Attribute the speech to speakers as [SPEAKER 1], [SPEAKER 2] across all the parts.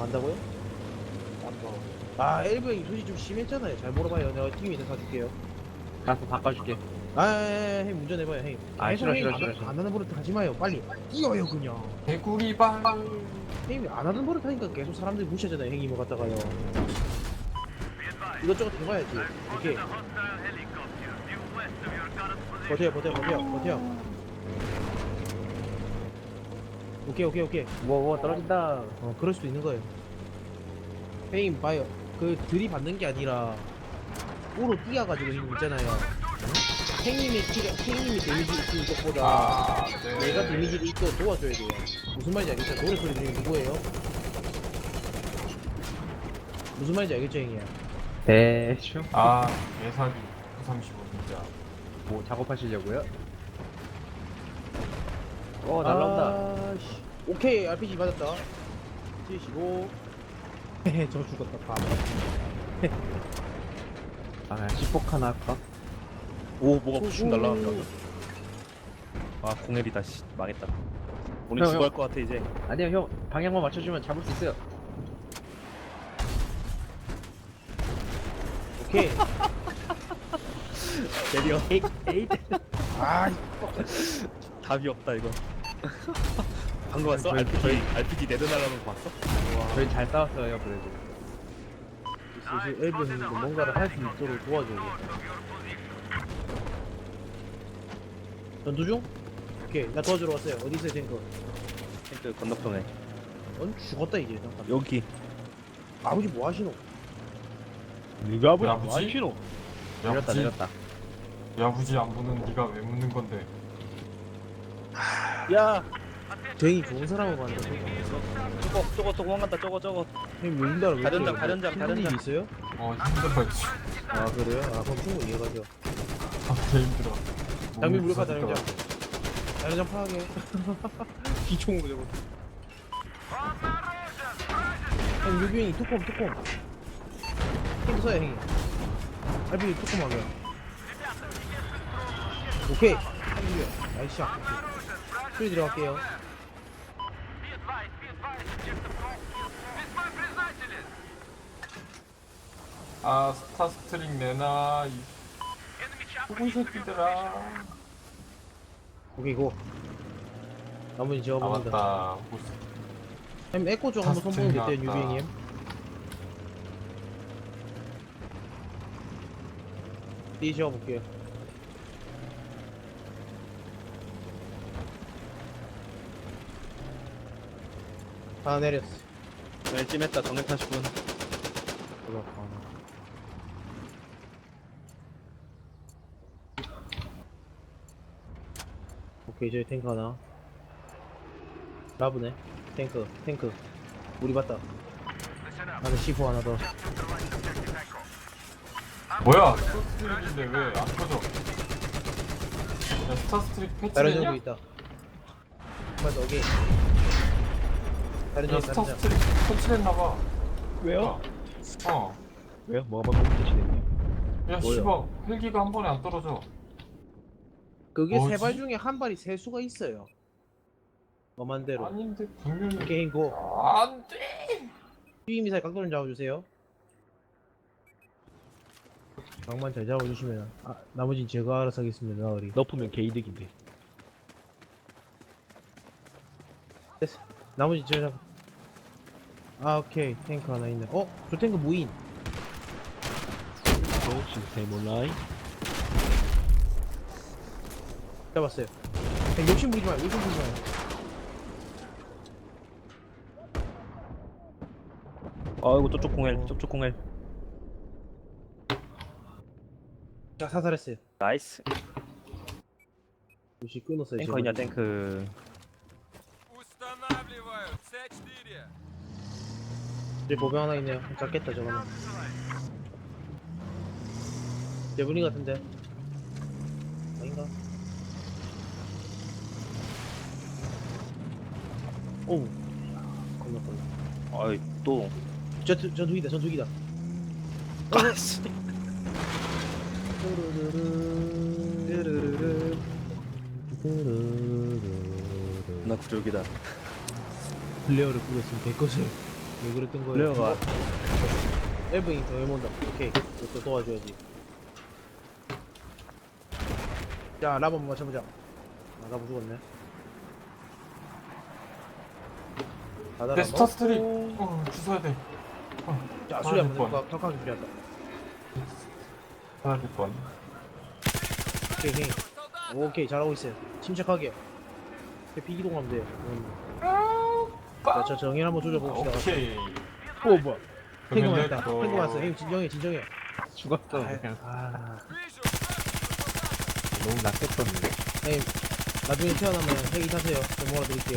[SPEAKER 1] 안다고요? 아 엘브 형이 소식 좀 심했잖아요. 잘 물어봐요. 내가 팀 있는 사줄게요.
[SPEAKER 2] 가서 바꿔줄게.
[SPEAKER 1] 형 운전해봐요 형.
[SPEAKER 2] 아,
[SPEAKER 1] 계속
[SPEAKER 2] 싫어,
[SPEAKER 1] 형이
[SPEAKER 2] 싫어, 싫어, 싫어.
[SPEAKER 1] 안 하는 버릇 하지 마요. 빨리 뛰어요 그냥.
[SPEAKER 3] 개구리발.
[SPEAKER 1] 형이 안 하는 버릇 하니까 계속 사람들이 무시하잖아요. 형이 뭐 갖다가요. 이것저것 해봐야지. 오케이. 버텨. 오케이.
[SPEAKER 2] 뭐 떨어진다.
[SPEAKER 1] 그럴 수도 있는 거예요. 형님 봐요. 그 들이받는 게 아니라 오로 뛰어가지고 형님 있잖아요. 형님이 데미지 입히는 것보다
[SPEAKER 3] 아, 네.
[SPEAKER 1] 내가 데미지를 입고 도와줘야 돼요. 무슨 말인지 알겠죠? 노래 소리 중에 누구예요? 무슨 말인지 알겠죠 형이야?
[SPEAKER 2] 대충.
[SPEAKER 3] 아, 예사기 35 진짜.
[SPEAKER 2] 뭐 작업하시려고요? 날라온다.
[SPEAKER 1] 씨. 오케이 RPG 맞았다. 75. 헤헤 저 죽었다 바보.
[SPEAKER 2] 아, C4 하나 할까?
[SPEAKER 4] 오 뭐가 푸슉 날라간다. 아 공앱이다 씨 망했다. 오늘
[SPEAKER 2] 형,
[SPEAKER 4] 죽어할
[SPEAKER 2] 형.
[SPEAKER 4] 것 같아 이제.
[SPEAKER 2] 아니요, 형. 방향만 맞춰주면 잡을 수 있어요.
[SPEAKER 1] 오케이.
[SPEAKER 4] 내려.
[SPEAKER 2] 에잇.
[SPEAKER 1] 아
[SPEAKER 4] 답이 없다 이거. 방금 봤어?
[SPEAKER 2] 저희-
[SPEAKER 4] RPG 네드 날라오는 거 봤어?
[SPEAKER 2] 저희 잘 싸웠어요, 그래도.
[SPEAKER 1] 슬슬 엘브 형님도 뭔가를 할 수 있도록 도와줘야겠다. 전투 중? 오케이 나 도와주러 왔어요. 어디 있어요 탱크?
[SPEAKER 4] 탱크 건너편에.
[SPEAKER 1] 넌 죽었다 이제 잠깐.
[SPEAKER 4] 여기.
[SPEAKER 1] 아버지 뭐 하시노?
[SPEAKER 4] 네가
[SPEAKER 3] 야, 뭐지?
[SPEAKER 4] 싫어.
[SPEAKER 2] 내렸다.
[SPEAKER 3] 야부지 안 보는 네가 왜 묻는 건데?
[SPEAKER 4] 야
[SPEAKER 1] 되게 좋은 사람을 봤는데
[SPEAKER 4] 저거 도망간다 저거.
[SPEAKER 1] 형님 왜 힘들어?
[SPEAKER 4] 가련장.
[SPEAKER 1] 힘든 일 있어요?
[SPEAKER 3] 힘들었지.
[SPEAKER 1] 아 그래요? 아 그럼 충분히 이해가죠.
[SPEAKER 3] 개 힘들어.
[SPEAKER 1] 장미
[SPEAKER 3] 몸이
[SPEAKER 1] 무력화
[SPEAKER 3] 부서질까
[SPEAKER 1] 다른장. 다른장 파악해. 기총으로 저거. 형 유비형이 투콤. 탱크 써요 형이. 알비 투콤하게. 오케이. 형님 나이스 샷. 소리 들어갈게요.
[SPEAKER 3] 아, 스타스트링 내놔. 이 후군 새끼들아.
[SPEAKER 1] 오케이 고. 나머지 제가
[SPEAKER 3] 아,
[SPEAKER 1] 먹는다.
[SPEAKER 3] 맞다.
[SPEAKER 1] 형님 에코 쪽 한번 선보는 게 어때요
[SPEAKER 3] 나왔다.
[SPEAKER 1] 유비형님? 뒤 볼게요. 다 내렸어.
[SPEAKER 4] 네, 찜했다 정액 80분.
[SPEAKER 1] 오케이 저기 탱크 하나. 라브네. 탱크. 우리 봤다. 안에 C4 하나 더.
[SPEAKER 3] 뭐야? 스타스트릭인데 왜 안 터져? 야, 스타스트릭
[SPEAKER 1] 다른
[SPEAKER 3] 패치되냐?
[SPEAKER 1] 정도 있다. 맞아 오케이. 다른
[SPEAKER 3] 야,
[SPEAKER 1] 정 다른 정.
[SPEAKER 3] 스타스트릭 패치됐나봐.
[SPEAKER 4] 왜요?
[SPEAKER 3] 어.
[SPEAKER 4] 왜요? 뭐가 방금 대신했냐?
[SPEAKER 3] 야,
[SPEAKER 1] 뭐야?
[SPEAKER 3] 씨발. 헬기가 한 번에 안 떨어져.
[SPEAKER 1] 그게 세
[SPEAKER 3] 뭐지?
[SPEAKER 1] 발 중에 한 발이 셀 수가 있어요. 엄한 대로.
[SPEAKER 3] 아닌데, 분명히.
[SPEAKER 1] 오케이 고.
[SPEAKER 3] 안 돼!
[SPEAKER 1] 미사일 각도를 잡아주세요. 각만 잘 잡아주시면 나머진 제가 알아서 하겠습니다. 나으리.
[SPEAKER 4] 너프면 개이득인데.
[SPEAKER 1] 됐어. 나머지 제가 오케이 탱크 하나 있네. 저 탱크 무인.
[SPEAKER 4] 시스템 온라인.
[SPEAKER 1] 잡았어요. 그냥 욕심 부리지 마요.
[SPEAKER 4] 아이고 저쪽 공엘.
[SPEAKER 1] 자 사살했어요.
[SPEAKER 4] 나이스.
[SPEAKER 1] 역시 끊었어요.
[SPEAKER 4] 탱커 있냐 탱크.
[SPEAKER 5] Устанавливаю C4.
[SPEAKER 1] 이제 보병 하나 있네요. 잡겠다 저거는. 제분이 같은데. 아닌가? 오우. 겁나.
[SPEAKER 4] 아이 또.
[SPEAKER 1] 전투기다.
[SPEAKER 4] 아씨. 나 구력이다.
[SPEAKER 1] 플레어를 뿌렸으면 될 것을. 왜 그랬던 거예요?
[SPEAKER 2] 레어가
[SPEAKER 1] 엘브잉 더 해본다. 오케이. 또 도와줘야지. 자, 라브 한번 맞춰보자. 아, 라브 죽었네.
[SPEAKER 3] 내 스타 스트리. 주워야 돼.
[SPEAKER 1] 자,
[SPEAKER 3] 아,
[SPEAKER 1] 수리 한번
[SPEAKER 3] 번.
[SPEAKER 1] 해볼까? 격하게 수리한다.
[SPEAKER 3] 하나 될 번.
[SPEAKER 1] 오케이, 헤이. 오케이, 잘하고 있어요. 침착하게. 비기동하면 돼요. 자, 저 정일 한번 조져봅시다.
[SPEAKER 3] 오케이.
[SPEAKER 1] 오, 뭐야. 탱고
[SPEAKER 3] 그러면
[SPEAKER 1] 맞다.
[SPEAKER 3] 또-
[SPEAKER 1] 탱고 맞어. 형님, 진정해, 진정해.
[SPEAKER 2] 죽었어.
[SPEAKER 1] 아,
[SPEAKER 2] 너무 낫겠었는데.
[SPEAKER 1] 형님, 나중에 태어나면 핵이 타세요. 저 몰아드릴게요.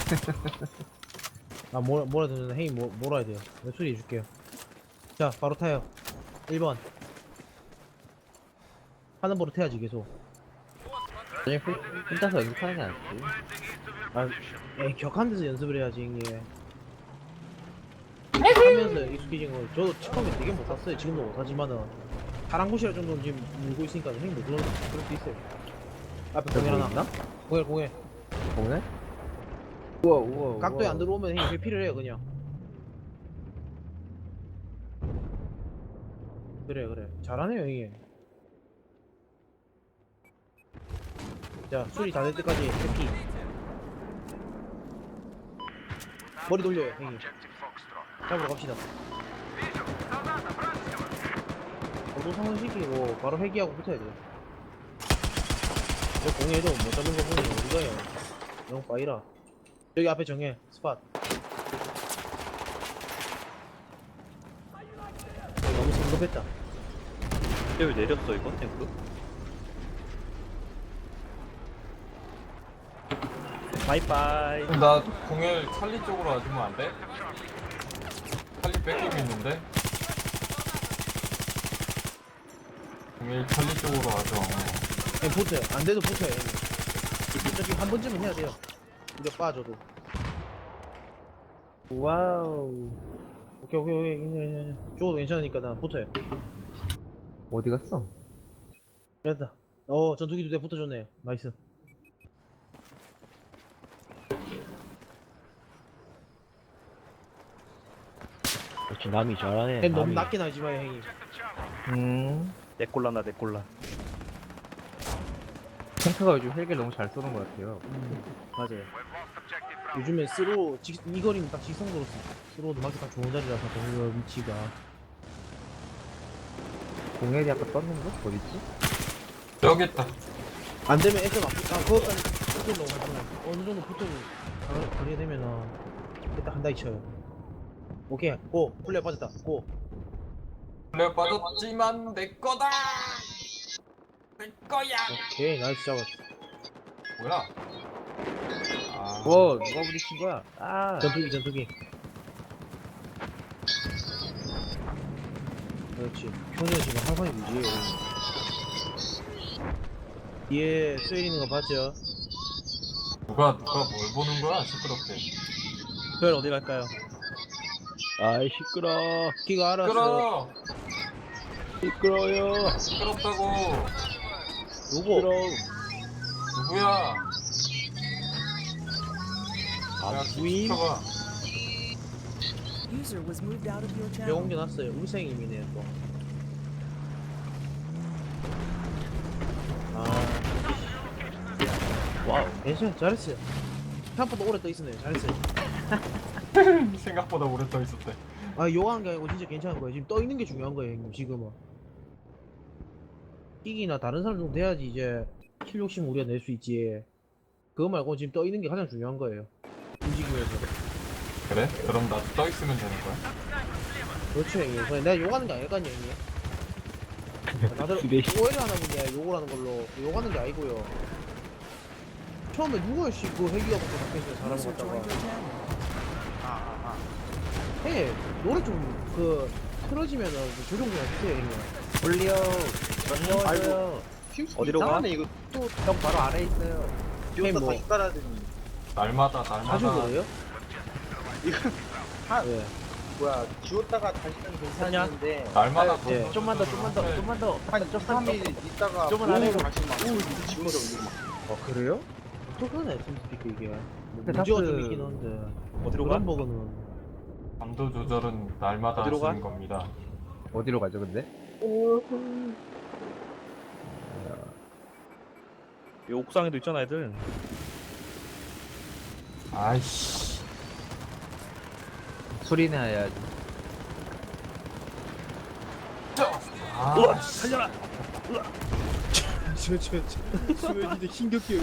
[SPEAKER 1] 아, 몰아드는 핵이 몰아야 돼요. 내가 수리해줄게요. 자, 바로 타요. 1번. 하는 버릇 해야지, 계속.
[SPEAKER 2] 그냥 혼자서 연습하는 게 낫지.
[SPEAKER 1] 아, 에이, 격한 데서 연습을 해야지, 형님. 하면서 익숙해진 거. 저도 처음에 되게 못했어요. 지금도 못하지만은. 파란 곳이라 정도는 지금 물고 있으니까 형님 못 그럴 수 있어요. 앞에 공연 하나.
[SPEAKER 2] 있나?
[SPEAKER 1] 공연.
[SPEAKER 2] 오늘? 우와.
[SPEAKER 1] 각도에 안 들어오면 형님 회피를 해요, 그냥. 그래. 잘하네요, 형님. 자, 수리 다 될 때까지 회피. 머리 돌려요, 형님. 잡으러 갑시다. 저도 상승시키고 바로 회귀하고 붙어야 돼요. 저 공해도 못 잡는 거 보니 어디가요? 너무 빠이라. 여기 앞에 정해, 스팟. 너무 성급했다.
[SPEAKER 4] 왜 내렸어 이거 탱크? 바이바이.
[SPEAKER 3] 나 공일 찰리 쪽으로 와주면 안 돼? 찰리 뺏김 있는데? 공일 찰리 쪽으로 와줘.
[SPEAKER 1] 그냥 붙어요. 안 돼도 붙어요, 형님. 저기 한 번쯤은 해야 돼요. 우리가 빠져도.
[SPEAKER 2] 와우.
[SPEAKER 1] 오케이. 죽어도 괜찮으니까 나 붙어요.
[SPEAKER 2] 어디 갔어?
[SPEAKER 1] 됐다. 전투기도 내 붙어줬네. 나이스.
[SPEAKER 2] 역시 남이 잘하네.
[SPEAKER 1] 너무 낮게 나지 마요, 형님.
[SPEAKER 4] 내 꼴라나 내 꼴라.
[SPEAKER 2] 탱크가 요즘 헬기를 너무 잘 쏘는 것 같아요.
[SPEAKER 1] 맞아요. 요즘에 이 거리는 딱 직선으로 스로도 맞기 딱 좋은 자리라서 동료 위치가.
[SPEAKER 2] 공헬이 아까 떴는 거? 어딨지?
[SPEAKER 3] 여기 있다.
[SPEAKER 1] 안 되면 애써 그것까지 붙어 너무 하잖아. 어느 정도 붙어 거리가 되면은 일단 한 다이 쳐요. 오케이, 고. 플레이 빠졌다. 고.
[SPEAKER 3] 플레어 빠졌지만 내 거다. 내 거야.
[SPEAKER 1] 오케이, 나이스 잡았어.
[SPEAKER 3] 뭐야? 아,
[SPEAKER 2] 누가 부딪힌 거야? 아.
[SPEAKER 1] 전투기. 그렇지. 현우가 지금 한 판이 무지해요. 뒤에 스웨일 있는 거 봤죠?
[SPEAKER 3] 누가 뭘 보는 거야? 시끄럽게.
[SPEAKER 4] 별 어디 갈까요?
[SPEAKER 2] 아이 시끄러.
[SPEAKER 1] 기가 알았어.
[SPEAKER 3] 시끄러.
[SPEAKER 2] 시끄러요.
[SPEAKER 3] 시끄럽다고.
[SPEAKER 1] 누구?
[SPEAKER 3] 누구야?
[SPEAKER 2] 아,
[SPEAKER 1] 부임?
[SPEAKER 3] 시켜봐.
[SPEAKER 5] User was moved out of your
[SPEAKER 1] 배
[SPEAKER 5] channel.
[SPEAKER 1] 옮겨놨어요. 울생임이네 또.
[SPEAKER 4] 와우.
[SPEAKER 1] 괜찮아, 잘했어요. 생각보다 오래 떠 있었네요. 잘했어요.
[SPEAKER 3] 생각보다 오래 떠 있었대.
[SPEAKER 1] 요한 게 아니고 진짜 괜찮은 거예요. 지금 떠 있는 게 중요한 거예요, 형님. 지금은. 킥이나 다른 사람 정도 돼야지 이제 킬 욕심 우리가 낼 수 있지. 그거 말고 지금 떠 있는 게 가장 중요한 거예요. 움직이면서.
[SPEAKER 3] 그래? 그럼 나도 떠 있으면 되는 거야?
[SPEAKER 1] 그렇죠, 형님. 그냥 내가 욕하는 게 아닐까요, 형님? 다들 오해를 하나 보네, 욕을 하는 걸로. 욕하는 게 아니고요. 처음에 누가 그 회기가부터 잡혀있어요, 사람
[SPEAKER 5] User
[SPEAKER 1] 갖다가.
[SPEAKER 5] joined your channel.
[SPEAKER 1] 해, 노래 좀, 틀어지면은 그 조정 좀 해주세요, 형님.
[SPEAKER 2] 올려. 반가워요.
[SPEAKER 4] 어디로 가?
[SPEAKER 2] 이거 형 바로 아래 있어요.
[SPEAKER 1] 형님 뭐,
[SPEAKER 3] 날마다
[SPEAKER 1] 자주 그래요? 예.
[SPEAKER 6] 뭐야 지웠다가 다시 는 괜찮은데
[SPEAKER 3] 날마다
[SPEAKER 1] 예.
[SPEAKER 2] 좀만 더.
[SPEAKER 6] 한 3일 있다가
[SPEAKER 2] 좀만 안 해도
[SPEAKER 6] 다시 막 지워서 올리고 막
[SPEAKER 2] 그래요?
[SPEAKER 1] 어떡하네, 팀스피크 이게. 뭐
[SPEAKER 2] 근데
[SPEAKER 1] 문제가 좀
[SPEAKER 2] 다스-
[SPEAKER 1] 있긴 한데.
[SPEAKER 4] 어디로 가?
[SPEAKER 1] 그런 버거는.
[SPEAKER 3] 감정 인도 조절은 날마다
[SPEAKER 4] 어디로
[SPEAKER 3] 하시는
[SPEAKER 4] 가?
[SPEAKER 3] 겁니다.
[SPEAKER 2] 어디로 가죠 근데?
[SPEAKER 4] 이 옥상에도 있잖아 애들.
[SPEAKER 3] 아이씨.
[SPEAKER 2] 술이나 해야지.
[SPEAKER 4] 우와 살려라.
[SPEAKER 1] 수현이도 힘겹게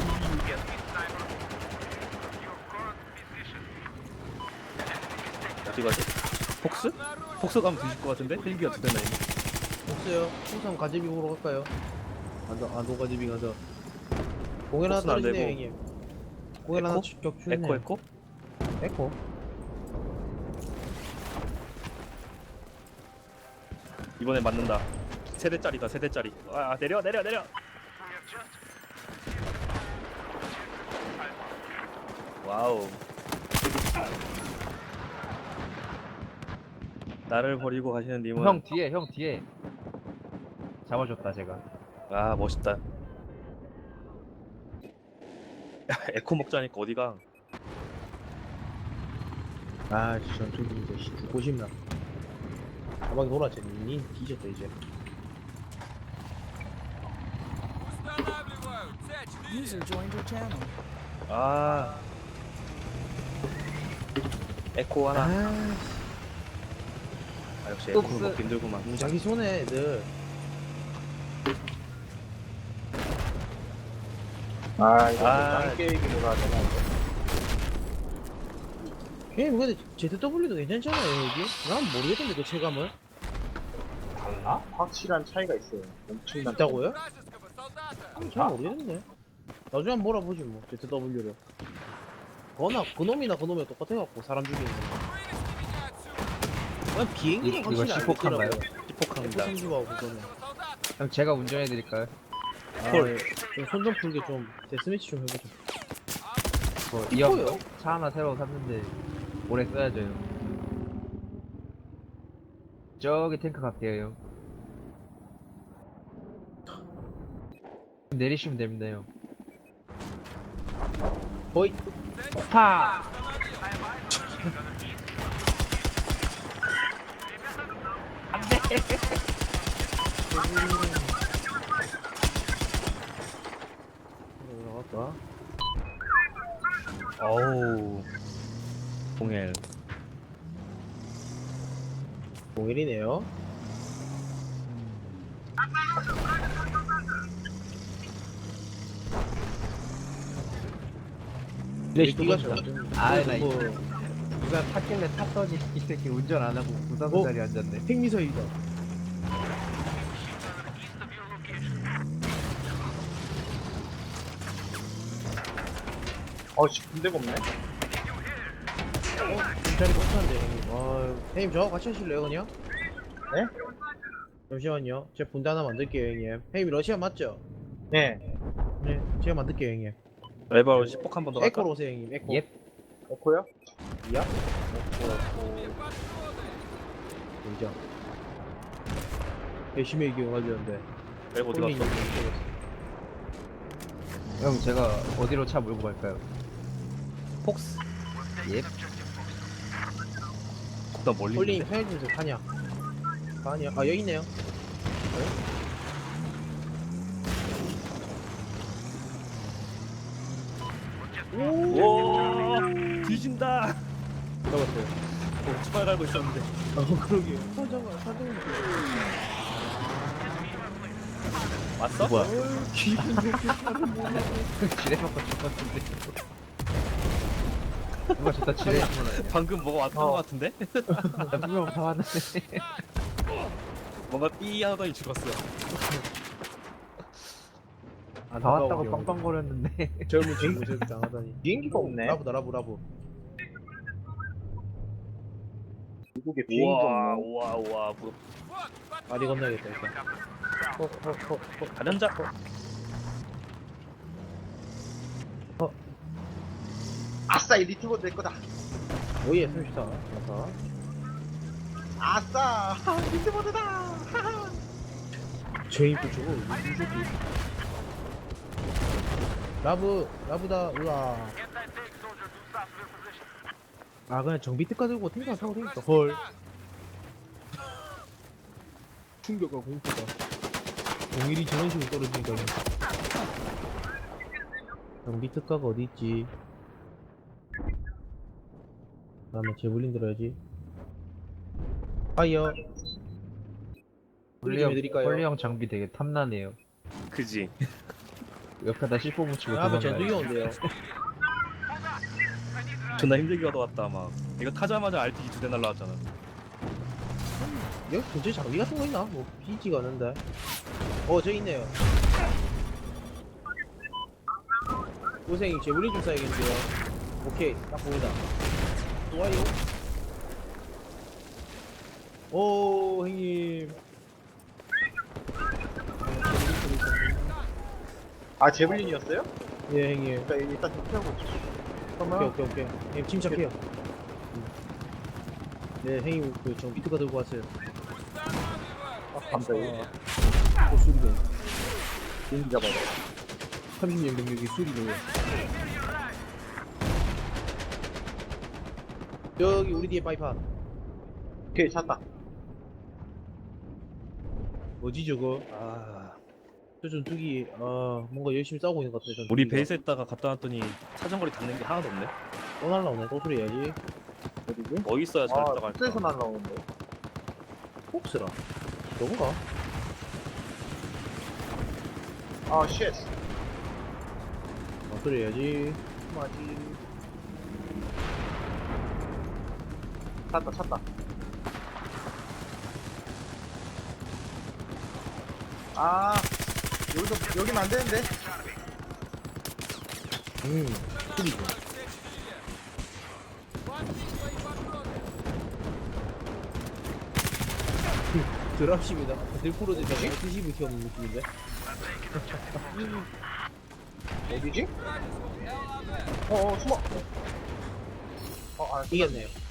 [SPEAKER 4] 어디 가지? 폭스? 폭스 가면 뒤질 것 같은데? 헬기가 두 대나 있네.
[SPEAKER 1] 없어요. 항상 가재비 보러 갈까요? 안도 가재비 가자. 공연 하나
[SPEAKER 4] 복수는 안
[SPEAKER 1] 떨어지네
[SPEAKER 4] 되고.
[SPEAKER 1] 형님. 공연 하나
[SPEAKER 4] 에코?
[SPEAKER 1] 격추네.
[SPEAKER 4] 에코?
[SPEAKER 1] 에코.
[SPEAKER 4] 이번에 맞는다. 세대짜리다 세대짜리. 아 내려. 와우. 나를 버리고 가시는 님은
[SPEAKER 2] 형 뒤에 잡아줬다 제가.
[SPEAKER 4] 아 멋있다. 야, 에코 먹자니까 어디가?
[SPEAKER 1] 아 진짜 저기 이제 죽고 싶나. 가방이 돌았지. 니 뒤졌다 이제.
[SPEAKER 5] User joined your channel.
[SPEAKER 4] 아 에코 하나. 아 역시 에코
[SPEAKER 2] 폭스.
[SPEAKER 4] 먹기 힘들구만.
[SPEAKER 1] 자기 손에 애들.
[SPEAKER 6] 아 이거
[SPEAKER 4] 아.
[SPEAKER 6] 짱 계획으로 하잖아 이거.
[SPEAKER 1] 형님 근데 ZW도 괜찮잖아요 여기? 난 모르겠던데 그 체감을.
[SPEAKER 3] 달라?
[SPEAKER 6] 확실한 차이가 있어요. 엄청난
[SPEAKER 1] 있다고요? 잘 모르겠는데. 나중에 한번 몰아보지 뭐 ZW를. 그놈이나 그놈이랑 똑같아갖고 사람 죽이는 거. 그냥 비행기는
[SPEAKER 2] 이거
[SPEAKER 1] 확실히
[SPEAKER 2] 시폭한가요?
[SPEAKER 4] 시폭합니다.
[SPEAKER 1] F-35하고 그거는.
[SPEAKER 2] 형 제가 운전해드릴까요?
[SPEAKER 1] 헐. 손 좀 풀게 좀 데스매치 좀 해보자.
[SPEAKER 2] 이형 차 하나 새로 샀는데 오래 써야죠 형. 저기 탱크 갈게요 형. 내리시면 됩니다 형.
[SPEAKER 1] 거의
[SPEAKER 2] 파!
[SPEAKER 1] 나갈까?
[SPEAKER 4] 어우 공엘.
[SPEAKER 1] 01이네요.
[SPEAKER 2] 내리시면
[SPEAKER 1] 가
[SPEAKER 2] 됩니다. 아, 나
[SPEAKER 1] 뭐
[SPEAKER 2] 누가 탔길래 탔더니 이 새끼 운전 안 하고 부산선 자리에 앉았네.
[SPEAKER 1] 핵미사이다.
[SPEAKER 6] 어씨 군대가 없네.
[SPEAKER 1] 자리 못하는데 형님. 형님 저하고 같이 하실래요 그냥?
[SPEAKER 6] 네?
[SPEAKER 1] 잠시만요. 제가 분대 하나 만들게요 형님. 형님 러시아 맞죠?
[SPEAKER 6] 네.
[SPEAKER 1] 네. 제가 만들게요 형님.
[SPEAKER 4] 레바로 시폭 한 번 더 갈까?
[SPEAKER 1] 에코로 오세요 형님. 에코.
[SPEAKER 2] 예.
[SPEAKER 6] 에코요?
[SPEAKER 1] 야? 보이죠? 열심히 얘기해가지는데
[SPEAKER 4] 레바 어디 갔어?
[SPEAKER 2] 형 제가 어디로 차 몰고 갈까요?
[SPEAKER 4] 폭스.
[SPEAKER 2] 예.
[SPEAKER 4] 나 멀리
[SPEAKER 1] 홀링
[SPEAKER 4] 있는데?
[SPEAKER 1] 편의점에서 가냐? 가냐? 아 여기 있네요.
[SPEAKER 4] 오 뒤진다.
[SPEAKER 1] 잡았어요.
[SPEAKER 4] 추발 갈고 있었는데.
[SPEAKER 1] 그러게요. 사장은
[SPEAKER 4] 왔어?
[SPEAKER 2] 뭐야?
[SPEAKER 1] 기분 좋게 차를 몰라.
[SPEAKER 2] 지뢰받고 죽었는데. 누가 저다 지뢰
[SPEAKER 4] 방금 뭐가 왔던 것 같은데?
[SPEAKER 2] 나 분명 다 왔는데.
[SPEAKER 4] 뭔가 삐 하더니 죽었어.
[SPEAKER 2] 다 왔다고 빵빵거렸는데.
[SPEAKER 1] 젊은 친구 저렇게 당하다니.
[SPEAKER 6] 비행기가 없네.
[SPEAKER 1] 라부.
[SPEAKER 6] 미국에 비행기가
[SPEAKER 4] 우와
[SPEAKER 6] 없네.
[SPEAKER 4] 우와 뭐
[SPEAKER 1] 다리 건너야겠다 일단.
[SPEAKER 4] 가련자.
[SPEAKER 6] 아싸 이 리트고 내 거다.
[SPEAKER 1] 오예 34.
[SPEAKER 6] 아싸 리트보드다.
[SPEAKER 1] 제인 또 저거 무슨 새끼. 라부다 우와. 아 그냥 정비특가 들고 탱크 타고 되니까 헐 충격과 공포가 공일이 저런 식으로 떨어지니까 정비특가가 어디 있지? 다음에 제블린 들어야지. 파이어 소리 좀 해드릴까요?
[SPEAKER 2] 홀리형 장비 되게 탐나네요.
[SPEAKER 4] 그지.
[SPEAKER 2] 옆에다 씹어 붙이고
[SPEAKER 1] 아, 한번
[SPEAKER 2] 도망가요.
[SPEAKER 1] 전투기 온대요.
[SPEAKER 4] 존나 힘들게 얻어왔다 막. 이거 타자마자 RTG 2대 날라왔잖아.
[SPEAKER 1] 여기 근처에 장비 같은 거 있나? 뭐 비지가 않는데. 저기 있네요. 고생이 제블린 좀 쏴야겠는데요. 오케이, 딱 보인다. 좋아요. 오, 형님.
[SPEAKER 6] 아 제블린이었어요?
[SPEAKER 1] 예, 형님.
[SPEAKER 6] 일단 좀 태우고
[SPEAKER 1] 오케이. 형님 침착해요. 네, 형님 그저 비트가 들고 왔어요.
[SPEAKER 6] 감사해요.
[SPEAKER 1] 수리는
[SPEAKER 6] 비행기 잡아요.
[SPEAKER 1] 30년 경력이 수리는. 여기 우리 뒤에 바이판.
[SPEAKER 6] 오케이 찾다.
[SPEAKER 1] 뭐지 저거? 저 전투기 뭔가 열심히 싸우고 있는 것 같아. 전투기가.
[SPEAKER 4] 우리 베이스에다가 갖다 놨더니 사정거리 닿는 게 하나도 없네.
[SPEAKER 1] 또 날라오네. 또 소리 해야지.
[SPEAKER 6] 어디지?
[SPEAKER 4] 뭐 있어야 잘
[SPEAKER 6] 아
[SPEAKER 4] 들어갈까?
[SPEAKER 6] 숙소에서 날라오는데.
[SPEAKER 1] 폭스라. 너구가?
[SPEAKER 6] 아 쉣.
[SPEAKER 1] 소리 해야지.
[SPEAKER 6] 맞지. 찾다. 아 여기는 안 되는데.
[SPEAKER 1] 소리죠. 드랍십이다. 들프로드 저거 TCV 튀어나온 느낌인데?
[SPEAKER 6] 어디지? 숨어. 아
[SPEAKER 1] 이겼네요.